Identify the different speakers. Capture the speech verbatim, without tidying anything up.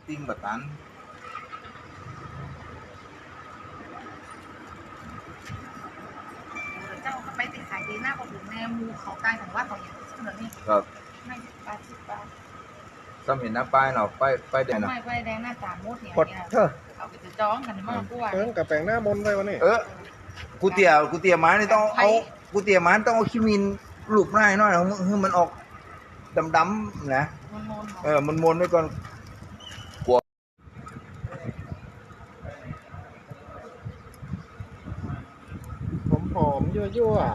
Speaker 1: ติ้งแบบนั้น
Speaker 2: เจ้าก็ไปติดขายดีหน้าประตูแนมูเขาใต้ของว่าเขาอย่างเสนอนี่
Speaker 1: ครับ
Speaker 2: ไม่สิบบาทสิบบาท
Speaker 1: ซ้ำเห็นหน้าป้ายเนาะป้ายป้ายแดงเนาะ
Speaker 2: ไม่ไปแดงหน้าตาโมดเนี่ย
Speaker 3: กดเถอะ
Speaker 2: เอาไปจะจ้องกันมากกว่า
Speaker 3: เอิ้งกับแปลงหน้ามนต์ไปวันนี้
Speaker 1: เออกูเตี๋ยกูเตี๋ยไม้นี่ต้องเอากูเตี๋ยไม้ต้องเอาขี้มินลูบหน้าให้หน่อยให้มันออกดำๆนะ
Speaker 2: มันมน
Speaker 1: เออมันมนไว้ก่อนกลัว
Speaker 3: หอมๆยั่วๆ